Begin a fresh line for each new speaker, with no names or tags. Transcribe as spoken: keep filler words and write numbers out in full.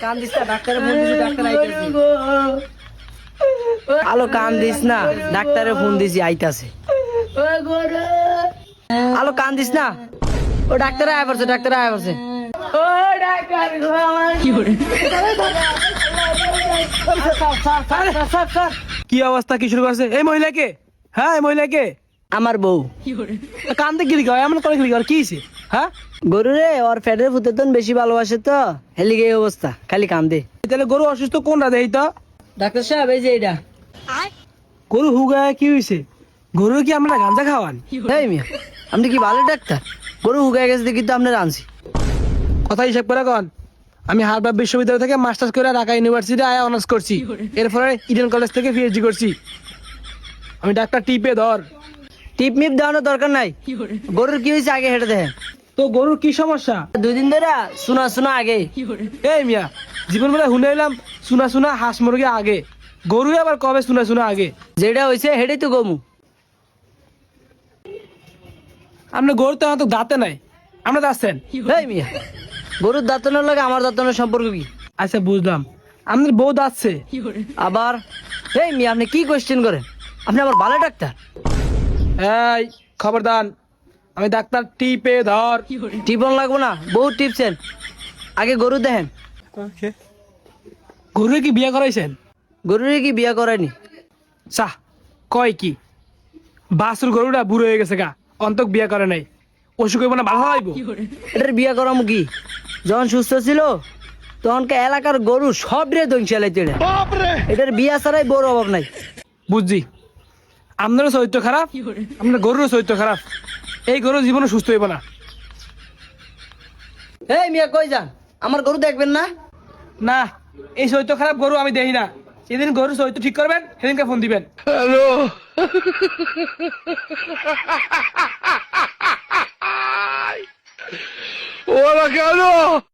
কান দিস না, ডাক্তারে ফোন দিছি, ডাক্তার আইতাছে। আলো কান দিস না, ডাক্তারে ফোন দিছি, আইতাছে। আলো কান দিস না, ও ডাক্তার আয় পড়ছে, ডাক্তার আয় পড়ছে।
কি অবস্থা, কি শুরু করছে এই মহিলাকে? হ্যাঁ এই মহিলাকে?
আমার বউ।
কান্দে গিলি গাও, এমন করে গিলি গাও, কি হইছে? হ্যাঁ
গরু রে ওর ফ্যাটের ফুতেতন বেশি ভালোবাসে তো, হেলিগে এই অবস্থা, খালি কান্দে।
তাহলে গরু অসুস্থ কোনটা দেই তো?
ডাক্তার সাহেব এই যে এটা।
গরু হুগায় কি হইছে? গরু কি আমরা গাঁজা খাওয়ান?
এই মিয়া, আপনি কি ভালো ডাক্তার? গরু হুগায় গেছে দেখি তো আপনার আনছি।
কথা হিসাব করে কন। আমি হার্ভার্ড বিশ্ববিদ্যালয় থেকে মাস্টার্স করে ঢাকা ইউনিভার্সিটি আয়া অনার্স করছি, এরপরে ইডেন কলেজ থেকে পিএইচডি করছি। আমি ডাক্তার টিপে ধর।
টিপ মিপ দেওয়ানোর দরকার নাই, গরুর কি হয়েছে আগে হেঁটে দেখেন।
তো গরুর কি সমস্যা?
দুই দিন ধরে শোনা শোনা আগে।
এই মিয়া, জীবন বেলা শুনে এলাম শুনা শুনা হাঁস মুরগি আগে, গরু আবার কবে শুনা শুনা আগে?
যেটা হয়েছে হেঁটেই তো গমু।
আপনার গরু তো তো দাঁতে নাই, আমরা যাচ্ছেন?
এই মিয়া, গরুর দাঁতনের লাগে আমার দাঁতনের সম্পর্ক কি?
আচ্ছা বুঝলাম, আপনার বউ দাঁতছে
আবার এই মিয়া, আপনি কি কোয়েশ্চেন করেন? আপনি আবার ভালো ডাক্তার?
এই খবরদার, আমি ডাক্তার টিপে ধর।
টিপন লাগবো না, বহুত টিপছেন, আগে গরু দেখেন।
গরু কি বিয়ে করাইছেন?
গরুরে কি বিয়া করায়নি?
চাহ কয় কি, বাসুর গরুটা বুড়ো হয়ে গেছে গা, অন্তক বিয়ে করে নাই, অসুখ হইব না, ভালো হইব?
এটার বিয়া করাম কি? যখন সুস্থ ছিল তখনকে এলাকার গরু সব রে দইন চালাইতে। এটার বিয়া ছাড়াই বড় অভাব নাই।
বুঝছি, আপনারও চরিত্র খারাপ, আপনার গরুরও চরিত্র খারাপ, এই গরু জীবনে সুস্থ হইব না।
এই মিয়া কই যান? আমার গরু দেখবেন না?
না, এই চরিত্র খারাপ গরু আমি দেখি না। সেদিন গরু চরিত্র ঠিক করবেন, সেদিনকে ফোন দিবেন। হ্যালো। ওরা কেন?